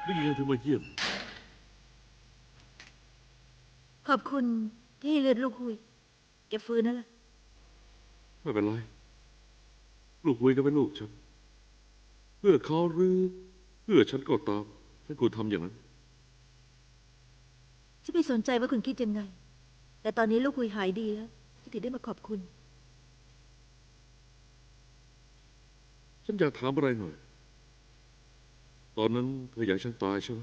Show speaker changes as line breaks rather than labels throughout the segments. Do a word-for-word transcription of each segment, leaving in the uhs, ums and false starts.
นี่ไงเธอมาเยี่ยม
ขอบคุณที่ให้เลือดลูกหุยแกฟื้นแล้วล่ะ
ไม่เป็นไรลูกคุยก็เป็นลูกฉันเพื่อเขาหรือเพื่อฉันก็ตามฉันควรทำอย่างนั้น
ฉันไม่สนใจว่าคุณคิดยังไงแต่ตอนนี้ลูกหุยหายดีแล้วฉันถึงได้มาขอบคุณ
ฉันอยากถามอะไรหน่อยตอนนั้นเธออยากให้ฉันตายใช่ไหม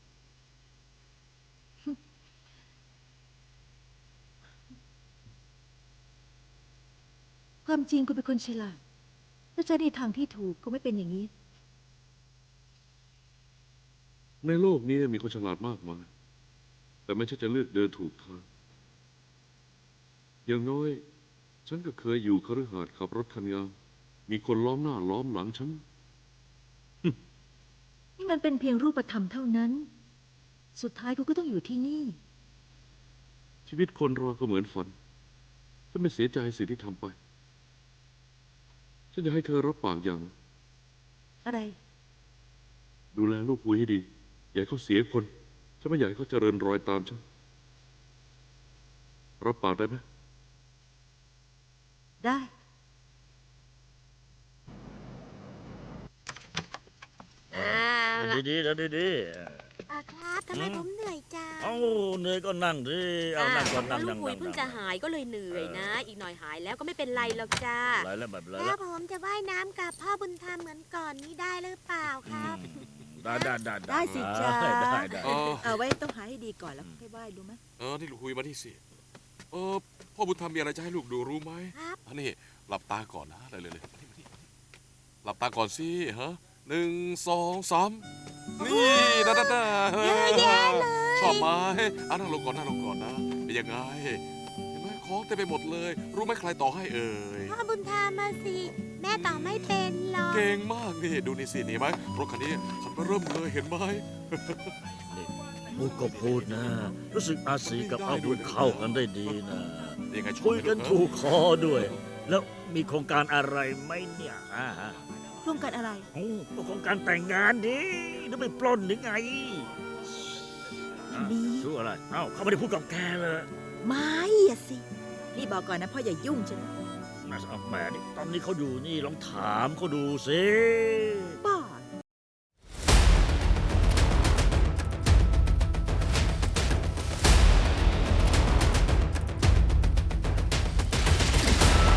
ความจริงคุณเป็นคนฉลาดถ้าใช้ในทางที่ถูกก็ไม่เป็นอย่างนี้
ในโลกนี้มีคนฉลาดมากมายแต่ไม่ใช่จะเลือกเดินถูกทางอย่างน้อยฉันก็เคยอยู่คฤหาสน์ขับรถคันงามมีคนล้อมหน้าล้อมหลังฉัน
นี่มันเป็นเพียงรูปธรรมเท่านั้น สุดท้ายคุณก็ต้องอยู่ที่นี่
ชีวิตคนเราก็เหมือนฝันฉันไม่เสียใจสิ่งที่ทำไปฉันอยากให้เธอรับปากอย่าง
อะไร
ดูแลลูกคุยให้ดีอย่าให้เขาเสียคนฉันไม่อยากให้เขาเจริญรอยตามฉันรับปากได้ไหม
ได้
อ่
เดิน
า
ดีๆเดินดี
อ่าครับทำไมผมเหนื่อยจัง
ๆเอ้าเหนื่อยก็นั่งดิเอานั่งก่อนนั่ง
ลู
นั่
ก
ง
หุย
นั่ง
เพิ่งจะหายก็เลยเหนื่อยนะ อีกหน่อยหายแล้วก็ไม่เป็นไรหรอกจ้า
ไรแล้วแบบไร
แล้
แล้ว ว
ผมจะว่ายน้ำกับพ่อบุญธรรมเหมือนก่อนนี้ได้หรือเปล่าครับ
ได้ได้ได้
ได้สิจ๊ะ
ได้ได้ได้
เออ
เอาไว้ต้องหาให้ดีก่อนแล้วค่อยไหว้รู้ไหม
เออ นี่ลูกคุยมาที่สิเออ พ่อบุญธรรมมีอะไรจะให้ลูกดูรู้ไหม
ครับ
อันนี้หลับตาก่อนนะเลยเลยเลยมานี่มานี่หลับตาก่อนสิฮะหนึ่งสองสามนี่นะนะนะเยอะแยะเลยชอบไหมอ่ะนั่งลงก่อนนั่งลงก่อนนะ เป็นยังไง เห็นไหมของเต็มไปหมดเลย รู้ไหมใครต่อให้เอ่ย
พ่อบุญธรรมมาสิ แม่ต่อไม่เป็นหรอก
เก่งมากนี่ ดูนี่สินี่ไหมรถคันนี้คันเริ่มเลยเห็นไหม
พูดก็พูดนะ รู้สึกอาศีกับอาบุญเข้ากันได้ดีนะ
ยังไงชอบ
คุย
ไหม
กัน
ลู
ถูก
เ
คอด้วย แล้วมีโครงการอะไรไหมเนี่ยอ่าฮะ
โครงการอะไร
โอ้ก็โครงการแต่งงานดิหรือไปปล้นหรือไงอ่ะ
นี่
ชื่ออะไรเอ้าเขาไม่ได้พูดกับแกเลย
ไม่อะสิ นี่บอกก่อนนะพ่ออย่ายุ่งฉัน
น่าจะเอาแหมนี่ตอนนี้เขาอยู่นี่ลองถามเขาดูสิ
บ